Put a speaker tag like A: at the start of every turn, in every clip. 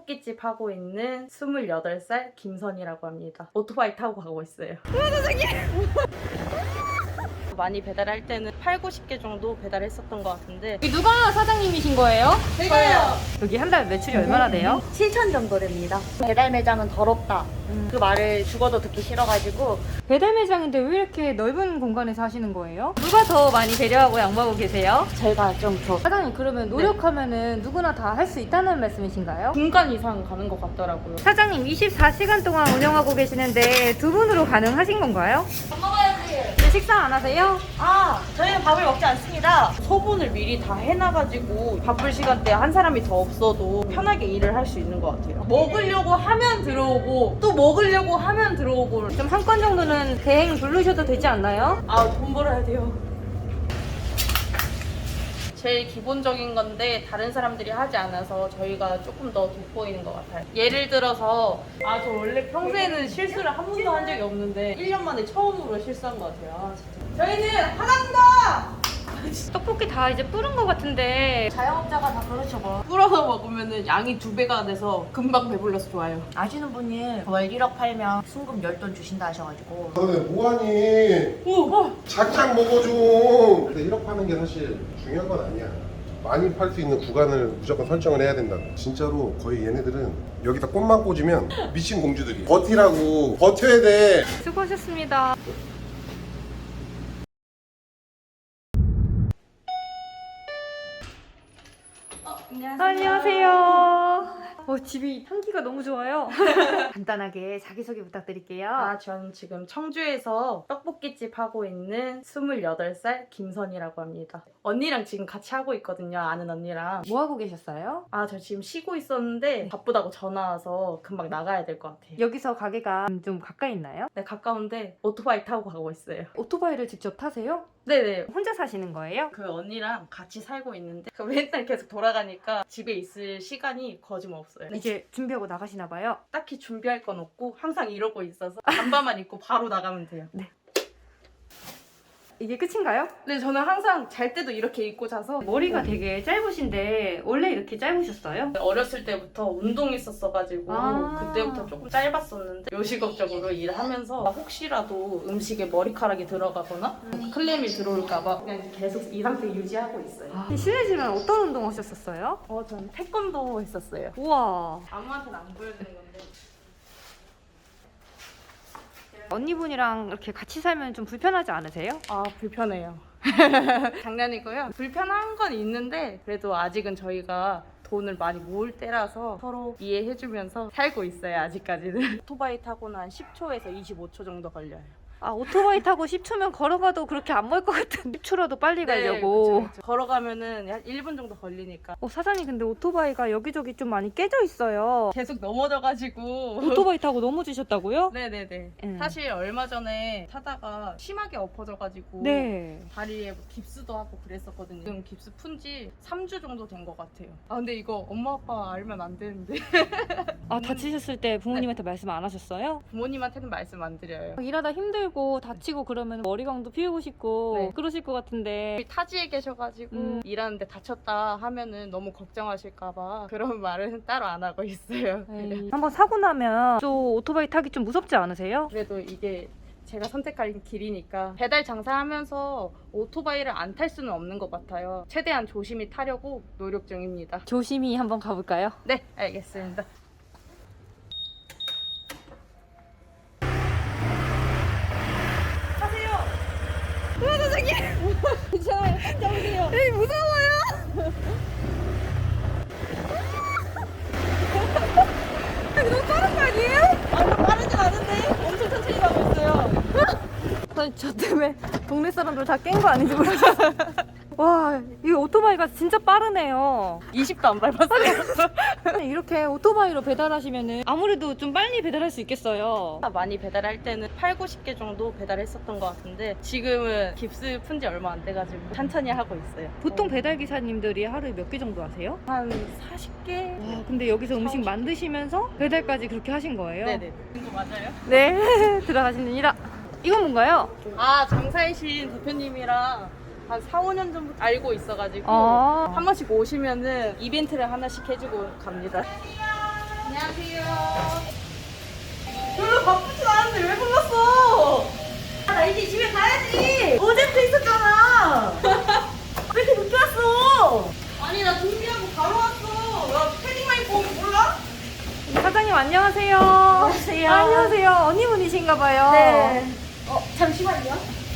A: 떡볶이집 하고 있는 28살 김선이라고 합니다. 오토바이 타고 가고 있어요. 많이 배달할 때는 8, 90개 정도 배달했었던 것 같은데
B: 여기 누가 사장님이신 거예요?
A: 제가요!
B: 여기 한 달 매출이 얼마나 돼요?
C: 7천 정도 됩니다. 배달 매장은 더럽다. 그 말을 죽어도 듣기 싫어가지고
B: 배달 매장인데 왜 이렇게 넓은 공간에서 하시는 거예요? 누가 더 많이 배려하고 양보하고 계세요?
C: 제가 좀 더.
B: 사장님 그러면 노력하면은 누구나 다 할 수 있다는 말씀이신가요?
A: 중간 이상 가는 것 같더라고요.
B: 사장님 24시간 동안 운영하고 계시는데 두 분으로 가능하신 건가요?
C: 밥 먹어야지.
B: 네, 식사 안 하세요?
C: 아, 저희는 밥을 먹지 않습니다.
A: 소분을 미리 다 해놔가지고 바쁠 시간대에 한 사람이 더 없어도 편하게 일을 할 수 있는 것 같아요. 먹으려고 하면 들어오고 또 먹으려고 하면 들어오고.
B: 좀 한 건 정도는 대행 부르셔도 되지 않나요?
A: 아, 돈 벌어야 돼요. 제일 기본적인 건데 다른 사람들이 하지 않아서 저희가 조금 더 돋보이는 것 같아요. 예를 들어서 저 원래 평소에는 실수를 한 번도 한 적이 없는데 1년 만에 처음으로 실수한 것 같아요. 진짜. 저희는 하나입니다!
B: 떡볶이 다 이제 뿌른 것 같은데
C: 자영업자가 다 그렇죠 뭐.
A: 불어서 먹으면 양이 2배가 돼서 금방 배불러서 좋아요.
C: 아시는 분이 월 1억 팔면 순금 10돈 주신다 하셔가지고.
D: 너네 뭐하니? 작작 먹어 좀. 근데 1억 파는 게 사실 중요한 건 아니야. 많이 팔 수 있는 구간을 무조건 설정을 해야 된다고. 진짜로 거의 얘네들은 여기다 꽃만 꽂으면 미친 공주들이 버티라고 버텨야 돼.
B: 수고하셨습니다. 안녕하세요. 집이 향기가 너무 좋아요. 간단하게 자기소개 부탁드릴게요.
A: 전 지금 청주에서 떡볶이집 하고 있는 28살 김선이라고 합니다. 언니랑 지금 같이 하고 있거든요. 아는 언니랑.
B: 뭐 하고 계셨어요?
A: 저 지금 쉬고 있었는데 바쁘다고 전화 와서 금방 나가야 될 것 같아요.
B: 여기서 가게가 좀 가까이 있나요?
A: 네, 가까운데 오토바이 타고 가고 있어요.
B: 오토바이를 직접 타세요?
A: 네네.
B: 혼자 사시는 거예요?
A: 그 언니랑 같이 살고 있는데 맨날 계속 돌아가니까 집에 있을 시간이 거짓없어요.
B: 이제 준비하고 나가시나 봐요.
A: 딱히 준비할 건 없고 항상 이러고 있어서 잠바만 입고 바로 나가면 돼요.
B: 이게 끝인가요?
A: 네, 저는 항상 잘 때도 이렇게 입고 자서
B: 머리가 되게 짧으신데 원래 이렇게 짧으셨어요?
A: 어렸을 때부터 운동했었어가지고 그때부터 조금 짧았었는데 요식업적으로 일하면서 혹시라도 음식에 머리카락이 들어가거나 클램이 들어올까봐 그냥 계속 이 상태 유지하고 있어요.
B: 실례지만 어떤 운동 하셨었어요?
A: 저는 태권도 했었어요.
B: 우와.
A: 아무한테는 안 보여주는 건데.
B: 언니분이랑 이렇게 같이 살면 좀 불편하지 않으세요?
A: 불편해요. 장난이고요. 불편한 건 있는데 그래도 아직은 저희가 돈을 많이 모을 때라서 서로 이해해주면서 살고 있어요. 아직까지는. 오토바이 타고는 한 10초에서 25초 정도 걸려요.
B: 오토바이 타고 10초면 걸어가도 그렇게 안 멀 것 같은데 10초라도 빨리 가려고.
A: 그쵸. 걸어가면은 한 1분 정도 걸리니까.
B: 사장님 근데 오토바이가 여기저기 좀 많이 깨져 있어요.
A: 계속 넘어져가지고.
B: 오토바이 타고 넘어지셨다고요?
A: 네네네.
B: 응.
A: 사실 얼마 전에 타다가 심하게 엎어져가지고
B: 네.
A: 다리에 뭐 깁스도 하고 그랬었거든요. 지금 깁스 푼 지 3주 정도 된 것 같아요. 근데 이거 엄마 아빠 알면 안 되는데.
B: 다치셨을 때 부모님한테 말씀 안 하셨어요?
A: 부모님한테는 말씀 안 드려요.
B: 일하다 힘들고 다치고 그러면 머리광도 피우고 싶고
A: 네.
B: 그러실 것 같은데.
A: 타지에 계셔가지고 일하는데 다쳤다 하면은 너무 걱정하실까봐 그런 말은 따로 안 하고 있어요.
B: 한번 사고 나면 또 오토바이 타기 좀 무섭지 않으세요?
A: 그래도 이게 제가 선택할 길이니까 배달 장사하면서 오토바이를 안 탈 수는 없는 것 같아요. 최대한 조심히 타려고 노력 중입니다.
B: 조심히 한번 가볼까요?
A: 네, 알겠습니다.
B: 저 때문에 동네 사람들 다 깬 거 아닌지 모르겠어요. 와, 이 오토바이가 진짜 빠르네요.
A: 20도 안 밟았어요.
B: 이렇게 오토바이로 배달하시면은 아무래도 좀 빨리 배달할 수 있겠어요.
A: 많이 배달할 때는 8, 90개 정도 배달했었던 것 같은데 지금은 깁스 푼 지 얼마 안 돼가지고 천천히 하고 있어요.
B: 보통 배달 기사님들이 하루에 몇 개 정도 하세요?
A: 한 40개?
B: 와, 근데 여기서 음식 만드시면서 배달까지 그렇게 하신 거예요?
A: 네네. 이거 맞아요?
B: 네, 들어가십니다. 이건 뭔가요?
A: 장사이신 대표님이랑 한 4, 5년 전부터 알고 있어가지고
B: 아.
A: 한 번씩 오시면은 이벤트를 하나씩 해주고 갑니다. 안녕하세요. 별로 바쁘진 않은데 왜 불렀어?
C: 나 이제 집에 가야지. 어제부터 있었잖아. 왜 이렇게 늦게 왔어?
A: 아니 나 준비하고 바로 왔어. 나 패딩만 입고 오면 몰라?
B: 사장님 안녕하세요.
C: 안녕하세요.
B: 안녕하세요. 언니분이신가 봐요.
C: 네. 잠시만요.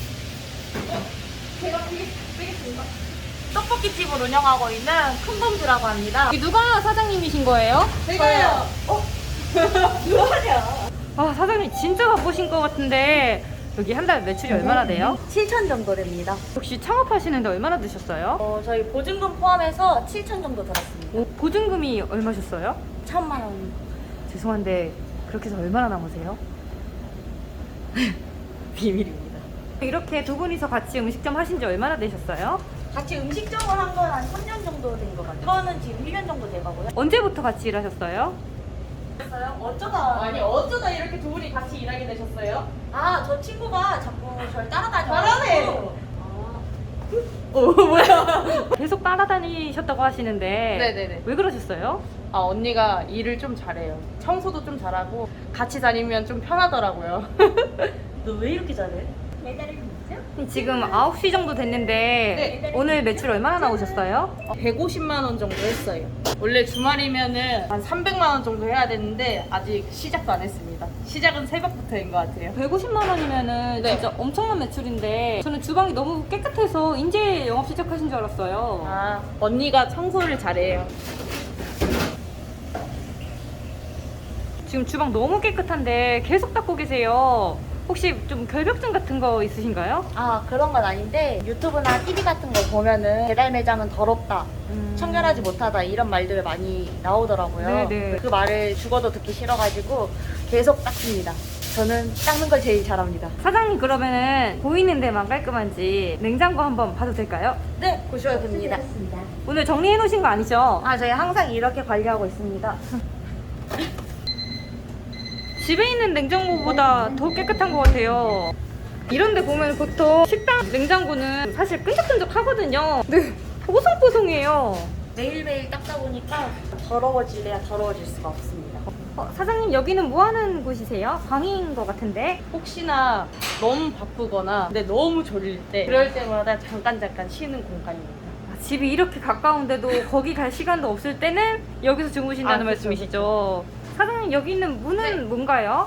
A: 제가 빼겠습니다.
C: 떡볶이집을 운영하고 있는 큰범주라고 합니다.
B: 여기 누가 사장님이신 거예요?
A: 제가요.
C: 뭐하냐?
B: 아 사장님 진짜 바쁘신 것 같은데 여기 한 달 매출이 얼마나 돼요?
C: 7천 정도 됩니다.
B: 혹시 창업하시는데 얼마나 드셨어요?
C: 저희 보증금 포함해서 7천 정도 들었습니다.
B: 보증금이 얼마셨어요?
C: 1,000만 원.
B: 죄송한데 그렇게 해서 얼마나 남으세요?
C: 비밀입니다.
B: 이렇게 두 분이서 같이 음식점 하신 지 얼마나 되셨어요?
C: 같이 음식점을 한 건 한 3년 정도 된 것 같아요. 이거는 지금 1년 정도 돼가고요.
B: 언제부터 같이 일하셨어요?
C: 어쩌다.
A: 아니 어쩌다 이렇게 두 분이 같이 일하게 되셨어요?
C: 저 친구가 자꾸 저를 따라다녀.
A: 잘하네.
B: 계속 따라다니셨다고 하시는데
A: 네네네.
B: 왜 그러셨어요?
A: 아 언니가 일을 좀 잘해요. 청소도 좀 잘하고 같이 다니면 좀 편하더라고요.
C: 너 왜 이렇게 잘해? 매달을 있죠?
B: 지금 9시 정도 됐는데
A: 네.
B: 오늘 매출 얼마나 나오셨어요?
A: 150만 원 정도 했어요. 원래 주말이면은 한 300만 원 정도 해야 되는데 아직 시작도 안 했습니다. 시작은 새벽부터인 것 같아요.
B: 150만 원이면은
A: 네.
B: 진짜 엄청난 매출인데 저는 주방이 너무 깨끗해서 이제 영업 시작하신 줄 알았어요.
A: 아 언니가 청소를 잘해요.
B: 지금 주방 너무 깨끗한데 계속 닦고 계세요. 혹시 좀 결벽증 같은 거 있으신가요?
C: 그런 건 아닌데 유튜브나 TV 같은 거 보면은 배달 매장은 더럽다, 청결하지 못하다 이런 말들 많이 나오더라고요.
B: 네네.
C: 그 말을 죽어도 듣기 싫어가지고 계속 닦습니다. 저는 닦는 걸 제일 잘합니다.
B: 사장님 그러면은 보이는 데만 깔끔한지 냉장고 한번 봐도 될까요?
C: 네, 보셔야 됩니다.
B: 오늘 정리해 놓으신 거 아니죠?
C: 저희 항상 이렇게 관리하고 있습니다.
B: 집에 있는 냉장고보다 더 깨끗한 것 같아요. 이런데 보면 보통 식당 냉장고는 사실 끈적끈적하거든요. 네, 뽀송뽀송해요.
C: 매일매일 닦다 보니까 더러워질래야 더러워질 수가 없습니다.
B: 사장님 여기는 뭐 하는 곳이세요? 방인 것 같은데?
A: 혹시나 너무 바쁘거나 근데 너무 졸릴 때 그럴 때마다 잠깐 쉬는 공간입니다.
B: 집이 이렇게 가까운데도 거기 갈 시간도 없을 때는 여기서 주무신다는
A: 그쵸,
B: 말씀이시죠? 사장님 여기 있는 문은 뭔가요?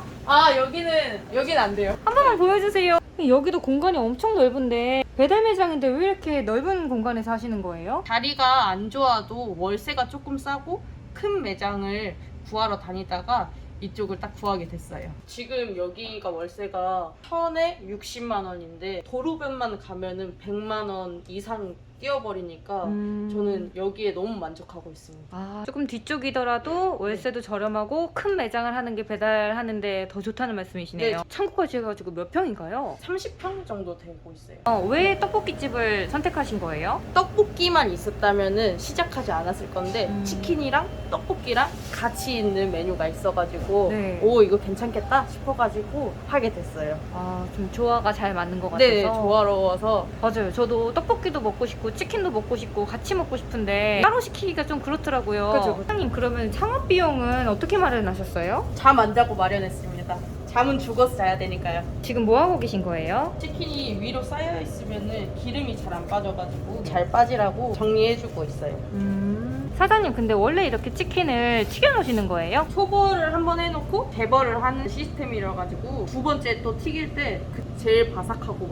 A: 여기는 안 돼요.
B: 한 번만 보여주세요. 여기도 공간이 엄청 넓은데 배달 매장인데 왜 이렇게 넓은 공간에서 하시는 거예요?
A: 자리가 안 좋아도 월세가 조금 싸고 큰 매장을 구하러 다니다가 이쪽을 딱 구하게 됐어요. 지금 여기가 월세가 1000에 60만 원인데 도로변만 가면은 100만 원 이상 뛰어버리니까 저는 여기에 너무 만족하고 있습니다.
B: 조금 뒤쪽이더라도 월세도 저렴하고 큰 매장을 하는 게 배달하는데 더 좋다는 말씀이시네요.
A: 네.
B: 창고까지 해가지고 몇 평인가요?
A: 30평 정도 되고 있어요.
B: 왜 떡볶이집을 선택하신 거예요?
A: 떡볶이만 있었다면은 시작하지 않았을 건데
B: 음.
A: 치킨이랑 떡볶이랑 같이 있는 메뉴가 있어가지고
B: 네.
A: 오 이거 괜찮겠다 싶어가지고 하게 됐어요.
B: 좀 조화가 잘 맞는 것 같아서.
A: 네, 조화로워서
B: 맞아요. 저도 떡볶이도 먹고 싶고 치킨도 먹고 싶고 같이 먹고 싶은데 따로 시키기가 좀 그렇더라고요.
A: 그죠.
B: 사장님 그러면 창업 비용은 어떻게 마련하셨어요?
A: 잠 안 자고 마련했습니다. 잠은 죽어서 자야 되니까요.
B: 지금 뭐 하고 계신 거예요?
A: 치킨이 위로 쌓여 있으면은 기름이 잘 안 빠져가지고 잘 빠지라고 정리해주고 있어요.
B: 사장님 근데 원래 이렇게 치킨을 튀겨 놓으시는 거예요?
A: 초벌을 한번 해놓고 재벌을 하는 시스템이라 가지고 두 번째 또 튀길 때 제일 바삭하고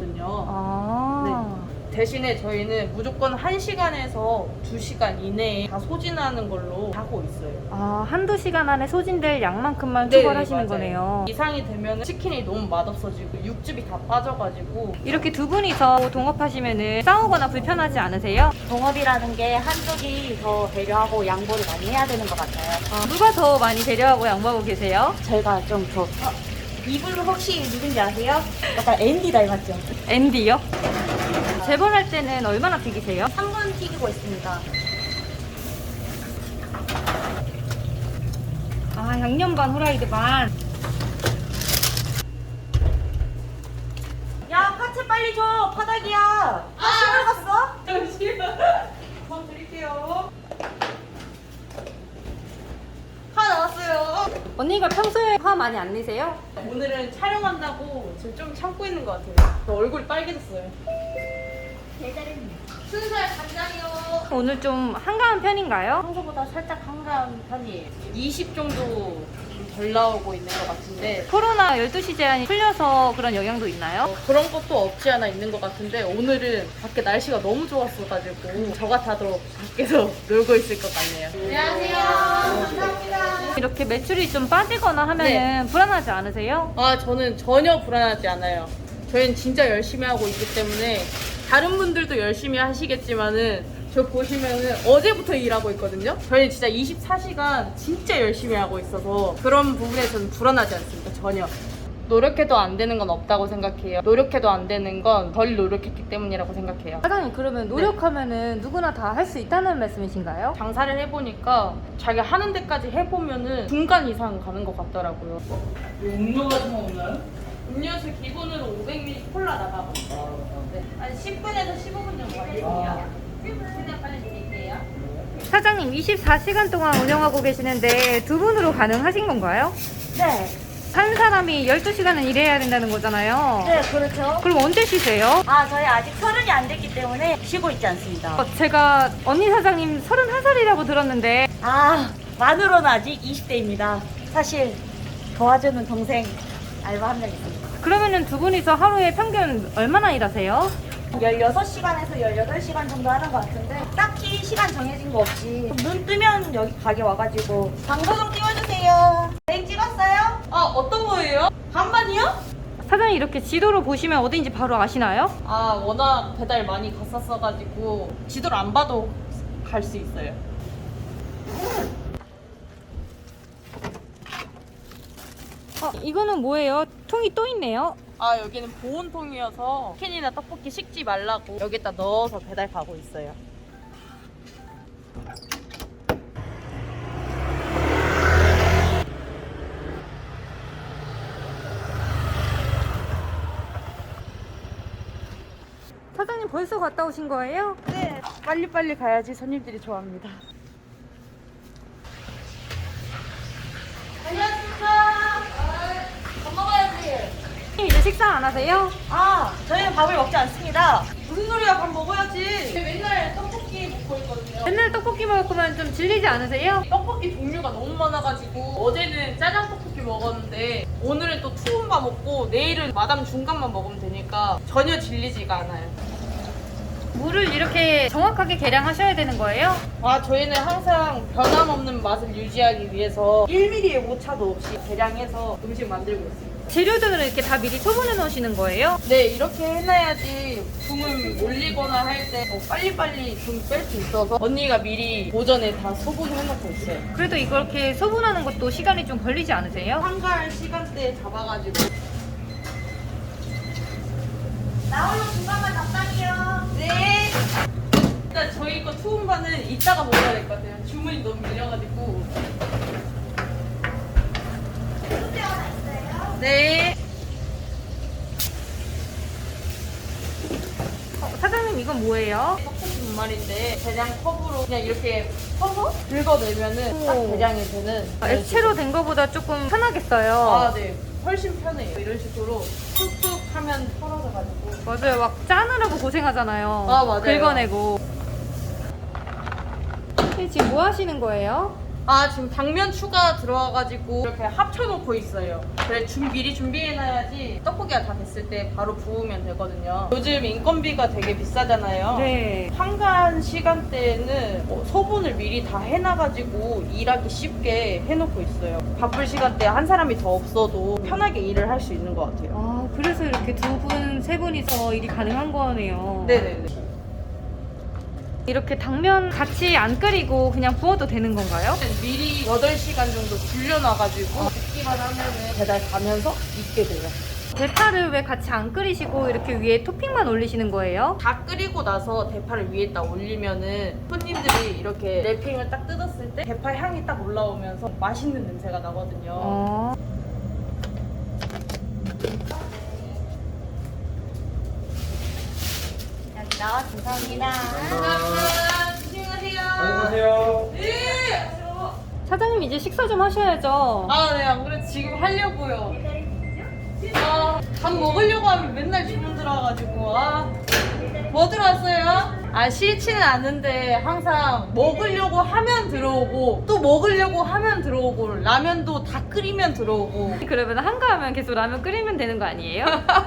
A: 맛있거든요. 대신에 저희는 무조건 1시간에서 2시간 이내에 다 소진하는 걸로 하고 있어요.
B: 한두 시간 안에 소진될 양만큼만
A: 네,
B: 초벌하시는
A: 맞아요.
B: 거네요.
A: 이상이 되면 치킨이 너무 맛없어지고 육즙이 다 빠져가지고
B: 이렇게 두 분이서 동업하시면 싸우거나 불편하지 않으세요?
C: 동업이라는 게 한쪽이 더 배려하고 양보를 많이 해야 되는 것 같아요.
B: 누가 더 많이 배려하고 양보하고 계세요?
C: 저희가 좀 더. 이분 혹시 누군지 아세요? 약간 앤디 닮았죠?
B: 앤디요? 재벌할 때는 얼마나 튀기세요?
C: 3분 튀기고 있습니다.
B: 양념 반 후라이드 반.
C: 야, 파채 빨리 줘. 파닭이야. 시골 갔어?
A: 잠시만 더 드릴게요.
C: 하나
B: 언니가 평소에 화 많이 안 내세요?
A: 오늘은 촬영한다고 지금 좀 참고 있는 것 같아요. 저 얼굴이 빨개졌어요. 순살 간장이요.
B: 오늘 좀 한가한 편인가요?
A: 평소보다 살짝 한가한 편이에요. 20 정도 좀 덜 나오고 있는 것 같은데
B: 코로나 12시 제한이 풀려서 그런 영향도 있나요?
A: 그런 것도 없지 않아 있는 것 같은데 오늘은 밖에 날씨가 너무 좋았어가지고 저 같아도 밖에서 놀고 있을 것 같네요. 안녕하세요. 감사합니다.
B: 이렇게 매출이 좀 빠지거나 하면은
A: 네.
B: 불안하지 않으세요?
A: 아, 저는 전혀 불안하지 않아요. 저희는 진짜 열심히 하고 있기 때문에 다른 분들도 열심히 하시겠지만은 저 보시면은 어제부터 일하고 있거든요. 저희는 진짜 24시간 진짜 열심히 하고 있어서 그런 부분에 저는 불안하지 않습니다. 전혀. 노력해도 안 되는 건 없다고 생각해요. 노력해도 안 되는 건 덜 노력했기 때문이라고 생각해요.
B: 사장님 그러면 노력하면은 누구나 다 할 수 있다는 말씀이신가요?
A: 장사를 해보니까 자기가 하는 데까지 해보면은 중간 이상 가는 것 같더라고요.
E: 음료 같은 거 없나요?
A: 음료수 기본으로 500ml 콜라 나가고 있어요. 네. 한 10분에서 15분 정도 걸릴게요. 그냥 빨리 드릴게요.
B: 사장님 24시간 동안 운영하고 계시는데 두 분으로 가능하신 건가요?
C: 네.
B: 한 사람이 12시간은 일해야 된다는 거잖아요.
C: 네, 그렇죠.
B: 그럼 언제 쉬세요?
C: 아, 저희 아직 30이 안 됐기 때문에 쉬고 있지 않습니다.
B: 제가 언니 사장님 31살이라고 들었는데
C: 아, 만으로는 아직 20대입니다. 사실 도와주는 동생 알바 한 명 있습니다.
B: 그러면은 두 분이서 하루에 평균 얼마나 일하세요?
C: 16시간에서 18시간 정도 하는 것 같은데 딱히 시간 정해진 거 없이 눈 뜨면 여기 가게 와가지고 광고 좀 띄워주세요. 땡 찍었어요?
A: 아, 어떤 거예요? 반반이요?
B: 사장님 이렇게 지도로 보시면 어딘지 바로 아시나요?
A: 아, 워낙 배달 많이 갔었어가지고 지도를 안 봐도 갈 수 있어요.
B: 이거는 뭐예요? 통이 또 있네요.
A: 아, 여기는 보온통이어서 치킨이나 떡볶이 식지 말라고 여기다 넣어서 배달 가고 있어요.
B: 사장님 벌써 갔다 오신 거예요?
A: 네, 빨리빨리 가야지 손님들이 좋아합니다.
C: 밥 먹어야지.
B: 이제 식사 안 하세요?
C: 아, 저희는 밥을 먹지 않습니다.
A: 무슨 소리야, 밥 먹어야지. 맨날 떡볶이 먹고 있거든요.
B: 맨날 떡볶이 먹을 거면 좀 질리지 않으세요?
A: 떡볶이 종류가 너무 많아가지고 어제는 짜장 떡볶이 먹었는데 오늘은 또 투움밥 먹고 내일은 마담 중간만 먹으면 되니까 전혀 질리지가 않아요.
B: 물을 이렇게 정확하게 계량하셔야 되는 거예요?
A: 아, 저희는 항상 변함없는 맛을 유지하기 위해서 1mm의 오차도 없이 계량해서 음식 만들고 있습니다.
B: 재료들을 이렇게 다 미리 소분해 놓으시는 거예요?
A: 네, 이렇게 해놔야지 붕을 올리거나 할 때 빨리빨리 붕 뺄 수 있어서 언니가 미리 오전에 다 소분해놓고 있어요.
B: 그래도 이렇게 소분하는 것도 시간이 좀 걸리지 않으세요?
A: 한가할 시간대에 잡아가지고.
C: 나홀로 중간만 적당히요.
A: 네. 일단 저희 거 투움바는 이따가 먹어야 될 것 같아요. 주문이 너무 밀려가지고.
C: 소주 하나 있어요?
A: 네.
B: 사장님 이건 뭐예요?
A: 떡볶이 분말인데 대량 컵으로 그냥 이렇게 퍼서 긁어내면은 딱
B: 오.
A: 대량이 되는.
B: 액체로 된 거보다 조금 편하겠어요.
A: 아, 네. 훨씬 편해요. 이런 식으로 툭툭 하면 털어져가지고.
B: 맞아요. 막 짜느라고 고생하잖아요.
A: 아, 맞아요.
B: 긁어내고. 지금 뭐 하시는 거예요?
A: 아, 지금 당면 추가 들어와가지고 이렇게 합쳐놓고 있어요. 그래, 미리 준비해놔야지 떡볶이가 다 됐을 때 바로 부으면 되거든요. 요즘 인건비가 되게 비싸잖아요.
B: 네.
A: 한가한 시간대에는 소분을 미리 다 해놔가지고 일하기 쉽게 해놓고 있어요. 바쁠 시간대에 한 사람이 더 없어도 편하게 일을 할 수 있는 것 같아요.
B: 아, 그래서 이렇게 두 분, 세 분이서 일이 가능한 거네요.
A: 네네네.
B: 이렇게 당면 같이 안 끓이고 그냥 부어도 되는 건가요?
A: 미리 8시간 정도 불려놔가지고 굽기만 하면은 배달 가면서 익게 돼요.
B: 대파를 왜 같이 안 끓이시고 이렇게 위에 토핑만 올리시는 거예요?
A: 다 끓이고 나서 대파를 위에다 올리면은 손님들이 이렇게 랩핑을 딱 뜯었을 때 대파 향이 딱 올라오면서 맛있는 냄새가 나거든요.
B: 어.
C: 여기 나왔습니다. 감사합니다.
A: 감사합니다. 조심하세요.
E: 안녕하세요.
A: 네.
B: 사장님 이제 식사 좀 하셔야죠.
A: 아, 네, 안 그래도 지금 하려고요. 아, 밥 먹으려고 하면 맨날 주문 들어와가지고, 뭐 들어왔어요? 싫지는 않은데 항상 먹으려고 하면 들어오고, 또 먹으려고 하면 들어오고, 라면도 다 끓이면 들어오고.
B: 그러면 한가하면 계속 라면 끓이면 되는 거 아니에요?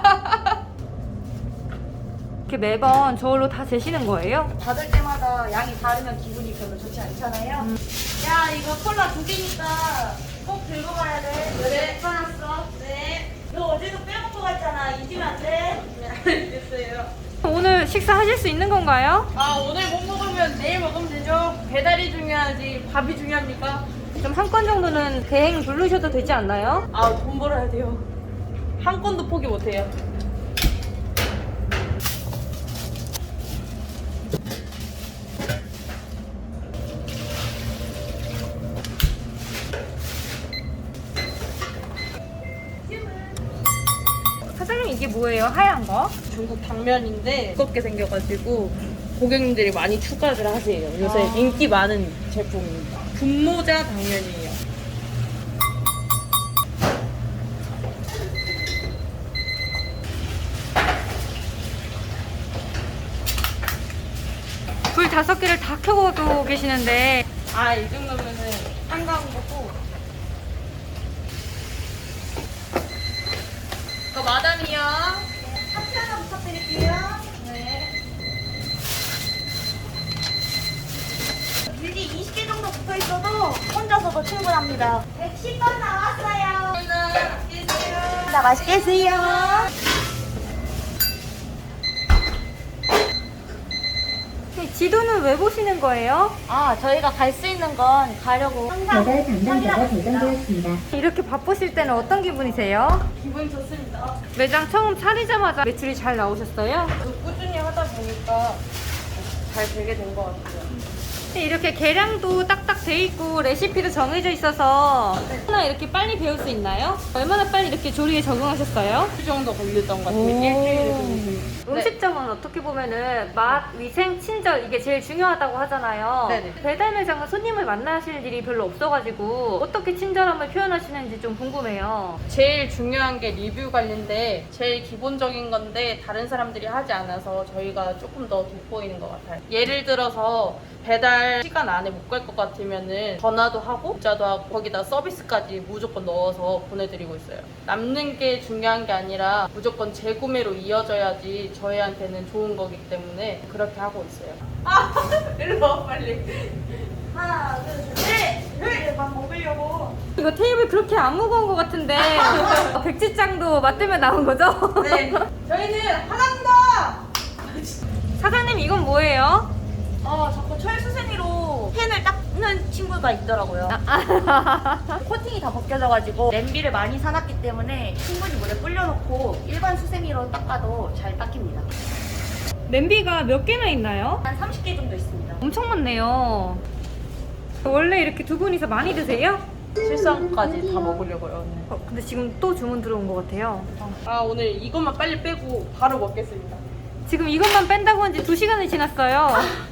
B: 이렇게 매번 저울로 다 재시는 거예요?
C: 받을 때마다 양이 다르면 기분이 별로 좋지 않잖아요. 야, 이거 콜라 2개니까 꼭 들고 가야 돼. 그래, 꺼놨어. 네. 너 어제도 빼먹고 갔잖아. 잊으면 안 돼.
A: 네, 알겠어요.
B: 오늘 식사하실 수 있는 건가요?
A: 오늘 못 먹으면 내일 먹으면 되죠. 배달이 중요하지 밥이 중요합니까?
B: 좀 한 건 정도는 대행 부르셔도 되지 않나요?
A: 돈 벌어야 돼요. 한 건도 포기 못 해요.
B: 사장님 이게 뭐예요? 하얀 거?
A: 중국 당면인데 두껍게 생겨가지고 고객님들이 많이 추가를 하세요. 요새 인기 많은 제품입니다. 분모자 당면이에요.
B: 불 5개를 다 켜고 계시는데
A: 이 정도면은 한가한 거고. 이거 마담이요.
C: 하트 하나 부탁드릴게요.
A: 네.
C: 밀리 20개 정도 붙어 있어도 혼자서도 충분합니다. 110번 나왔어요. 자, 맛있게 드세요.
B: 지도는 왜 보시는 거예요?
C: 저희가 갈 수 있는 건 가려고 항상
F: 배달 담당자가 배정되었습니다.
B: 이렇게 바쁘실 때는 어떤 기분이세요?
A: 기분 좋습니다.
B: 매장 처음 차리자마자 매출이 잘 나오셨어요?
A: 꾸준히 하다 보니까 잘 되게 된 것 같아요.
B: 이렇게 계량도 딱딱 돼 있고 레시피도 정해져 있어서 얼마나 이렇게 빨리 배울 수 있나요? 얼마나 빨리 이렇게 조리에 적응하셨어요?
A: 일 정도 걸렸던 것 같아요.
B: 오.
A: 일주일에 정도.
B: 음식점은 어떻게 보면은 맛, 위생, 친절 이게 제일 중요하다고 하잖아요.
A: 네네.
B: 배달 매장은 손님을 만나실 일이 별로 없어가지고 어떻게 친절함을 표현하시는지 좀 궁금해요.
A: 제일 중요한 게 리뷰 관리인데 제일 기본적인 건데 다른 사람들이 하지 않아서 저희가 조금 더 돋보이는 것 같아요. 예를 들어서 배달 시간 안에 못 갈 것 같으면은 전화도 하고 문자도 하고 거기다 서비스까지 무조건 넣어서 보내드리고 있어요. 남는 게 중요한 게 아니라 무조건 재구매로 이어져야지 저희한테는 좋은 거기 때문에 그렇게 하고 있어요. 일로 와 빨리.
C: 하나, 둘, 셋! 밥 먹으려고.
B: 이거 테이블 그렇게 안 무거운 것 같은데 백지장도 맞대면 나온 거죠?
A: 네. 저희는 하나입니다.
B: 사장님 이건 뭐예요?
C: 자꾸 철수세미로 펜을 닦는 친구가 있더라고요. 코팅이 다 벗겨져가지고 냄비를 많이 사놨기 때문에 충분히 물에 불려놓고 일반 수세미로 닦아도 잘 닦입니다.
B: 냄비가 몇 개나 있나요?
C: 한 30개 정도 있습니다.
B: 엄청 많네요. 원래 이렇게 두 분이서 많이 드세요?
A: 실상까지 다 먹으려고요. 오늘.
B: 근데 지금 또 주문 들어온 것 같아요.
A: 오늘 이것만 빨리 빼고 바로 먹겠습니다.
B: 지금 이것만 뺀다고 한 지 2시간이 지났어요.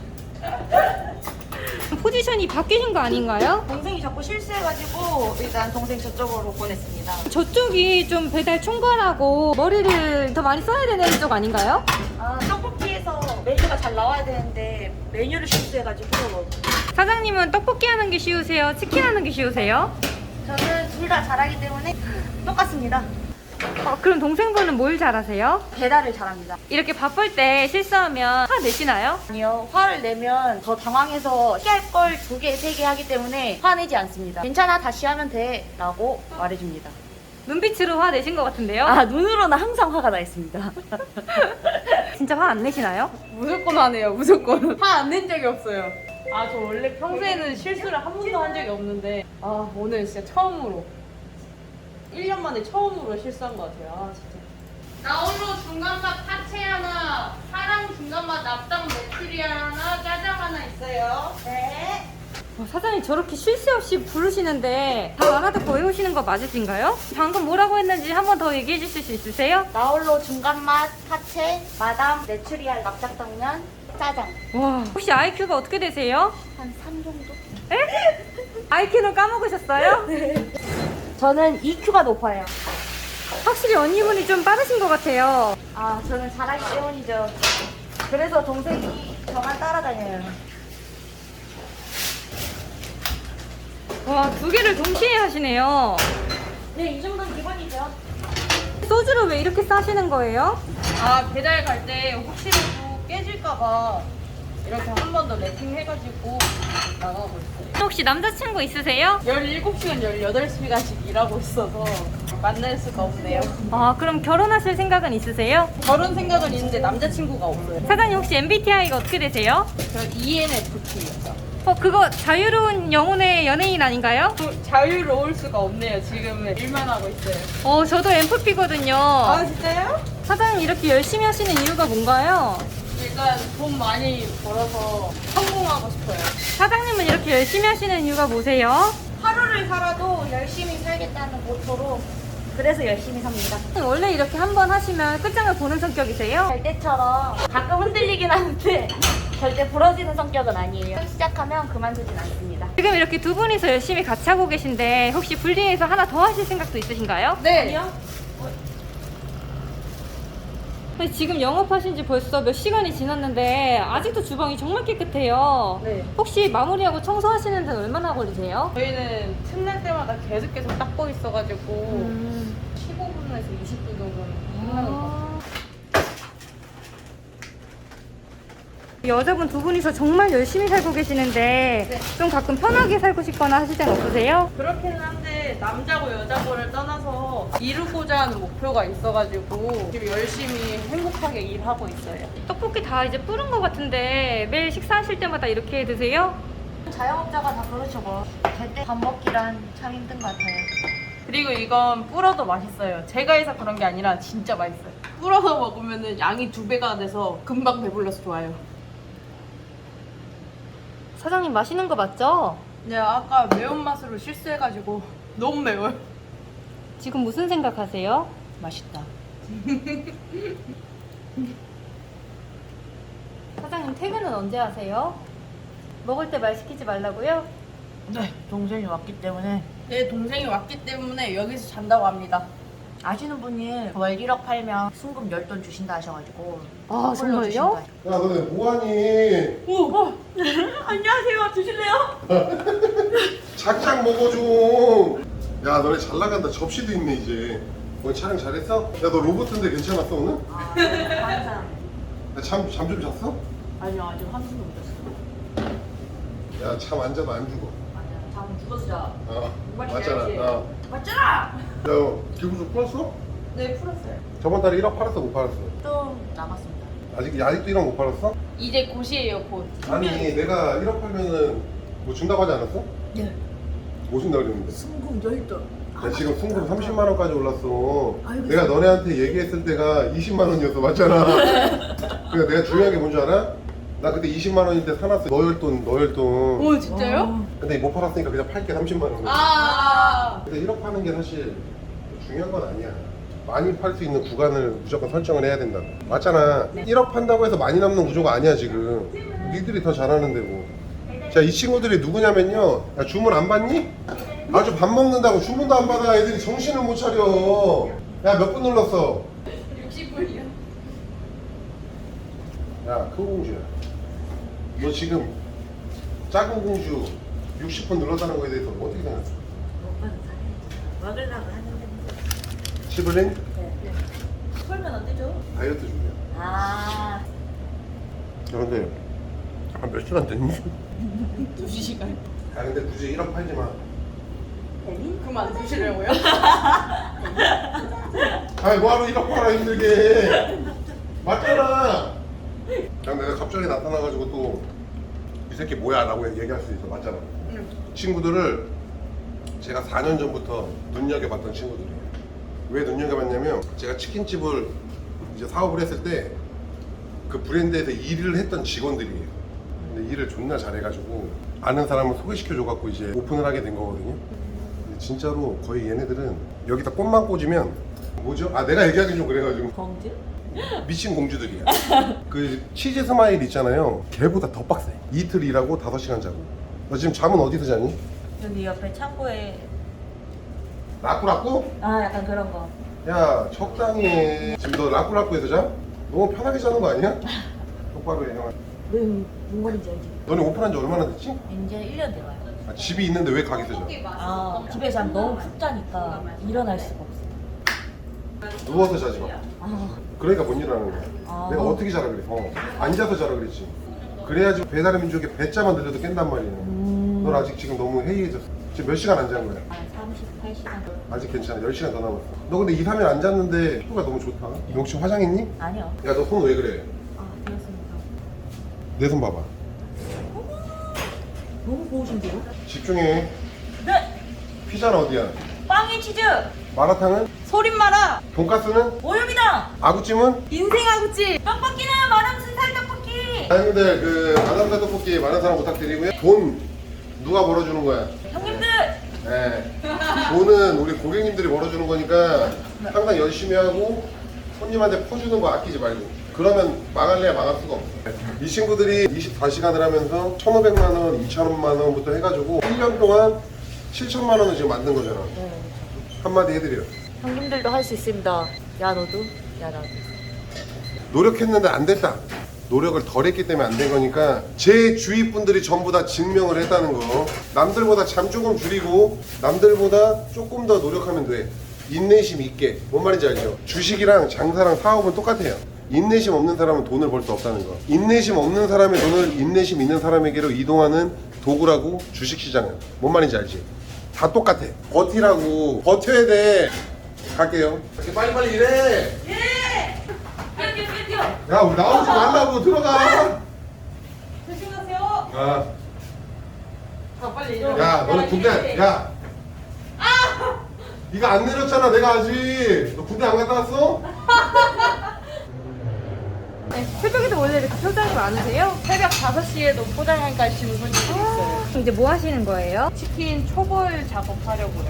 B: 포지션이 바뀌신 거 아닌가요?
C: 동생이 자꾸 실수해가지고 일단 동생 저쪽으로 보냈습니다.
B: 저쪽이 좀 배달 총괄하고 머리를 더 많이 써야 되는 쪽 아닌가요?
C: 떡볶이에서 메뉴가 잘 나와야 되는데 메뉴를 실수해가지고
B: 사장님은 떡볶이 하는 게 쉬우세요? 치킨 하는 게 쉬우세요?
C: 저는 둘 다 잘하기 때문에 똑같습니다.
B: 그럼 동생분은 뭘 잘하세요?
C: 배달을 잘합니다.
B: 이렇게 바쁠 때 실수하면 화 내시나요?
C: 아니요, 화를 내면 더 당황해서 피할 걸 2개, 3개 하기 때문에 화내지 않습니다. 괜찮아, 다시 하면 돼 라고 말해줍니다.
B: 눈빛으로 화 내신 것 같은데요?
C: 눈으로는 항상 화가 나 있습니다.
B: 진짜 화 안 내시나요?
A: 무조건 하네요. 무조건. 화 안 낸 적이 없어요. 저 원래 평소에는 실수를 한 번도 한 적이 없는데 오늘 진짜 처음으로 1년 만에 처음으로 실수한 것 같아요. 진짜. 나홀로 중간맛 파채 하나, 사랑 중간맛 납당 메추리알 하나, 짜장 하나 있어요.
C: 네.
B: 사장님 저렇게 쉴 새 없이 부르시는데 다 알아듣고 외우시는 거 맞으신가요? 방금 뭐라고 했는지 한 번 더 얘기해 주실 수 있으세요?
C: 나홀로 중간맛, 파채, 마담, 메추리알, 납작당면, 짜장.
B: 와, 혹시 IQ가 어떻게 되세요?
C: 한 3 정도?
B: 에? IQ는 까먹으셨어요?
C: 저는 EQ가 높아요.
B: 확실히 언니분이 좀 빠르신 것 같아요.
C: 아, 저는 잘하기 때문이죠. 그래서 동생이 저만 따라다녀요.
B: 와, 두 개를 동시에 하시네요.
C: 네, 이 정도는 기본이죠.
B: 소주를 왜 이렇게 싸시는 거예요?
A: 아, 배달 갈 때 혹시라도 깨질까봐 이렇게 한 번 더 랩핑해가지고 나가고 있어요.
B: 혹시 남자친구 있으세요?
A: 17시간, 18시간씩 일하고 있어서 만날 수가 없네요.
B: 아, 그럼 결혼하실 생각은 있으세요?
A: 결혼 생각은 있는데 남자친구가 없어요.
B: 사장님 혹시 MBTI가 어떻게 되세요?
A: 저 ENFP예요.
B: 그거 자유로운 영혼의 연예인 아닌가요?
A: 자유로울 수가 없네요. 지금은 일만 하고 있어요.
B: 저도 MFP거든요.
A: 아, 진짜요?
B: 사장님 이렇게 열심히 하시는 이유가 뭔가요?
A: 일단 돈 많이 벌어서 성공하고 싶어요.
B: 사장님은 이렇게 열심히 하시는 이유가 뭐세요?
C: 하루를 살아도 열심히 살겠다는 모토로 그래서 열심히 삽니다.
B: 원래 이렇게 한 번 하시면 끝장을 보는 성격이세요?
C: 잘 때처럼 가끔 흔들리긴 하는데 절대 부러지는 성격은 아니에요. 시작하면 그만두진 않습니다.
B: 지금 이렇게 두 분이서 열심히 같이 하고 계신데 혹시 분리해서 하나 더 하실 생각도 있으신가요?
A: 네.
C: 아니요?
B: 근데 지금 영업하신 지 벌써 몇 시간이 지났는데 아직도 주방이 정말 깨끗해요.
A: 네.
B: 혹시 마무리하고 청소하시는 데는 얼마나 걸리세요?
A: 저희는 틈날 때마다 계속 닦고 있어가지고 15분에서 20분 정도는 끝나는 것 같아요.
B: 여자분 두 분이서 정말 열심히 살고 계시는데
A: 네.
B: 좀 가끔 편하게 살고 싶거나 하실 땐 없으세요?
A: 그렇기는 한데 남자고 여자고를 떠나서 이루고자 하는 목표가 있어가지고 지금 열심히 행복하게 일하고 있어요.
B: 떡볶이 다 이제 뿌른 것 같은데 매일 식사하실 때마다 이렇게 드세요?
C: 자영업자가 다 그렇죠 뭐. 제때 밥 먹기란 참 힘든 것 같아요.
A: 그리고 이건 불어도 맛있어요. 제가 해서 그런 게 아니라 진짜 맛있어요. 불어서 먹으면 양이 2배가 돼서 금방 배불러서 좋아요.
B: 사장님 맛있는 거 맞죠?
A: 네, 아까 매운맛으로 실수해가지고 너무 매워요.
B: 지금 무슨 생각하세요?
A: 맛있다.
B: 사장님 퇴근은 언제 하세요? 먹을 때 말 시키지 말라고요?
C: 네, 동생이 왔기 때문에
A: 내 동생이 왔기 때문에 여기서 잔다고 합니다.
C: 아시는 분이 월 1억 팔면 순금 10돈 주신다 하셔가지고
B: 아, 정말요?
C: 올려주신다.
D: 야 너네 뭐하니?
C: 안녕하세요. 드실래요?
D: 작작 먹어 좀. 야 너네 잘 나간다. 접시도 있네 이제. 오늘 촬영 잘했어? 야 너 로봇인데 괜찮았어 오늘?
C: 아, 네, 항상.
D: 잠 좀 잤어?
C: 아니요, 아직 한숨도 못 잤어요.
D: 야 잠 안 자도 안 죽어.
C: 아니야, 잠은 죽어서 자.
D: 맞잖아.
C: 맞잖아!
D: 야 기분 좀 풀었어?
A: 네, 풀었어요.
D: 저번 달에 1억 팔았어 못 팔았어?
C: 좀 남았습니다.
D: 아직도 1억 못 팔았어?
A: 이제 곧이에요, 곧.
D: 아니 내가 1억 팔면은 뭐 준다고 하지 않았어?
C: 네.
D: 뭐 준다 그랬는데?
C: 순금 10돈.
D: 야, 지금 순금 30만 원까지 올랐어.
C: 아이고,
D: 내가 너네한테 얘기했을 때가 20만 원이었어, 맞잖아. 그러니까 내가 중요한 게 뭔지 알아? 나 그때 20만 원일 때 사놨어. 너혈돈.
A: 오, 진짜요?
D: 근데 못 팔았으니까 그냥 팔게 30만 원.
A: 아.
D: 근데 1억 파는 게 사실 중요한 건 아니야. 많이 팔 수 있는 구간을 무조건 설정을 해야 된다고. 맞잖아. 1억 판다고 해서 많이 남는 구조가 아니야 지금. 니들이 더 잘하는데 뭐. 자, 이 친구들이 누구냐면요. 야, 주문 안 받니? 아주 밥 먹는다고 주문도 안 받아. 애들이 정신을 못 차려. 야, 몇 분 눌렀어?
A: 60분이요.
D: 야, 큰 공주야. 너 지금 작은 공주 60분 눌렀다는 거에 대해서 어떻게 생각해?
C: 오빠는 잘해. 먹으려고 하는데.
D: 시블링?
C: 네. 풀면 안 되죠?
D: 다이어트 중이야.
C: 아.
D: 야, 근데 한 몇 시간 됐니?
A: 2시간.
D: 야, 근데 굳이 1억 팔지 마.
A: 그만 드시려고요?
D: 아이, 뭐하러 1억 팔아 힘들게. 맞잖아. 그냥 내가 갑자기 나타나가지고 또 이 새끼 뭐야 라고 얘기할 수 있어. 맞잖아. 친구들을 제가 4년 전부터 눈여겨봤던 친구들이에요. 왜 눈여겨봤냐면 제가 치킨집을 이제 사업을 했을 때 그 브랜드에서 일을 했던 직원들이에요. 근데 일을 존나 잘해가지고 아는 사람을 소개시켜줘갖고 이제 오픈을 하게 된 거거든요. 근데 진짜로 거의 얘네들은 여기다 꽃만 꽂으면 뭐죠? 아 내가 얘기하기 좀 그래가지고
C: 공주?
D: 미친 공주들이야. 그 치즈 스마일 있잖아요. 걔보다 더 빡세. 이틀 일하고 5시간 자고. 너 지금 잠은 어디서 자니?
C: 여기 옆에 창고에
D: 라꾸라꾸?
C: 약간 그런 거.
D: 야 적당히 해. 지금 너 라꾸라꾸에서 자? 너무 편하게 자는 거 아니야? 똑바로 해 형아.
C: 왜 뭔 말인지 알지?
D: 너네 오픈한 지 얼마나 됐지?
C: 이제 1년 돼가요.
D: 아, 집이 있는데 왜 가게에서 자?
C: 집에 자면 너무 푹 자니까 일어날 수가 없어.
D: 누워서 자지 마.
C: 아,
D: 그러니까 못 일어나는 거야.
C: 아.
D: 내가 어떻게 자라 그래? 앉아서 자라 그랬지. 그래야지 배달의 민족에 배짜만 들려도 깬단 말이야. 넌 아직 지금 너무 해이해졌어. 지금 몇 시간 안 잔 거야?
C: 38시간.
D: 아직 괜찮아. 10시간 더 남았어. 너 근데 2, 3일 안 잤는데 피부가 너무 좋다. 너 혹시 화장했니?
C: 아니요.
D: 야 너 손 왜 그래?
C: 되었습니다.
D: 내 손 봐봐.
C: 너무 고우신데요?
D: 집중해.
C: 네!
D: 피자는 어디야?
C: 빵에 치즈!
D: 마라탕은?
A: 소림마라
D: 돈가스는?
C: 오염이다!
D: 아구찜은?
A: 인생아구찜.
C: 떡볶이는 마담 순살 떡볶이!
D: 사장님들 그 마담사 떡볶이 많은 사랑 부탁드리고요. 돈 누가 벌어주는 거야?
C: 형님들!
D: 네. 돈은 우리 고객님들이 벌어주는 거니까 항상 열심히 하고 손님한테 퍼주는 거 아끼지 말고. 그러면 망할래야 망할 수가 없어. 이 친구들이 24시간을 하면서 1,500만 원, 2,000만 원부터 해가지고 1년 동안 7천만 원을 지금 만든 거잖아. 한마디 해드려.
C: 형님들도 할 수 있습니다. 야 너도? 야 나도.
D: 노력했는데 안 됐다. 노력을 덜 했기 때문에 안 된 거니까 제 주위 분들이 전부 다 증명을 했다는 거. 남들보다 잠 조금 줄이고 남들보다 조금 더 노력하면 돼. 인내심 있게. 뭔 말인지 알죠? 주식이랑 장사랑 사업은 똑같아요. 인내심 없는 사람은 돈을 벌 수 없다는 거. 인내심 없는 사람의 돈을 인내심 있는 사람에게로 이동하는 도구라고 주식시장은. 뭔 말인지 알지? 다 똑같아. 버티라고. 버텨야 돼. 갈게요. 이렇게 빨리빨리 일해.
C: 뛰어!
D: 야 우리 나오지 말라고. 들어가.
A: 조심하세요.
D: 아.
A: 빨리 일어나.
D: 야 너네 군대 야 네가 안 내렸잖아. 내가 아직. 너 군대 안 갔다 왔어?
B: 네, 새벽에도 원래 이렇게 표정이 많으세요?
A: 새벽 5시에도 포장한가 하시는 분들이 있어요.
B: 이제 뭐 하시는 거예요?
A: 치킨 초벌 작업하려고요.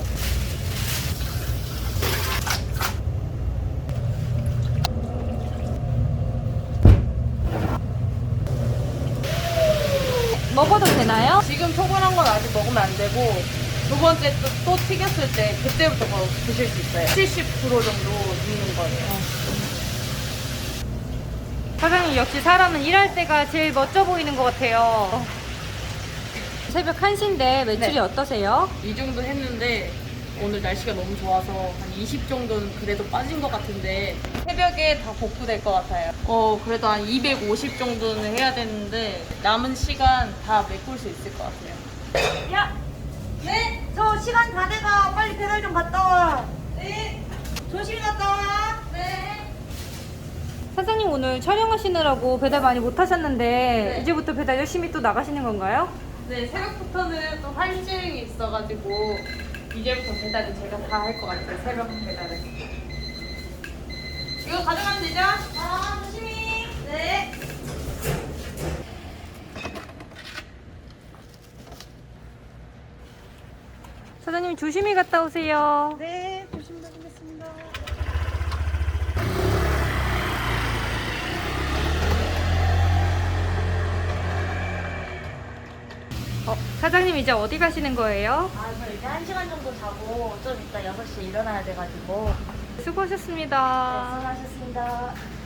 B: 먹어도 되나요?
A: 지금 초벌한 건 아직 먹으면 안 되고 두 번째 또 튀겼을 때 그때부터 바로 드실 수 있어요. 70% 정도 익는 거예요.
B: 사장님 역시 사람은 일할 때가 제일 멋져 보이는 것 같아요. 새벽 1시인데 매출이
A: 네.
B: 어떠세요?
A: 이 정도 했는데 오늘 날씨가 너무 좋아서 한 20 정도는 그래도 빠진 것 같은데 새벽에 다 복구될 것 같아요. 그래도 한 250 정도는 해야 되는데 남은 시간 다 메꿀 수 있을 것 같아요.
C: 야! 네? 저 시간 다 돼가. 빨리 배달 좀 갔다 와. 네. 조심히 갔다 와. 네.
B: 사장님 오늘 촬영하시느라고 배달 많이 못 하셨는데
A: 네.
B: 이제부터 배달 열심히 또 나가시는 건가요?
A: 네, 새벽부터는 또 할증이 있어가지고 이제부터 배달은 제가 다 할 것 같아요. 새벽 배달은. 이거 가져가면 되죠?
C: 조심히. 네.
B: 사장님 조심히 갔다 오세요.
C: 네, 조심히 다니겠습니다.
B: 사장님 이제 어디 가시는 거예요?
C: 저 이제 1시간 정도 자고 좀 이따 6시에 일어나야 돼가지고.
B: 수고하셨습니다.
C: 수고하셨습니다.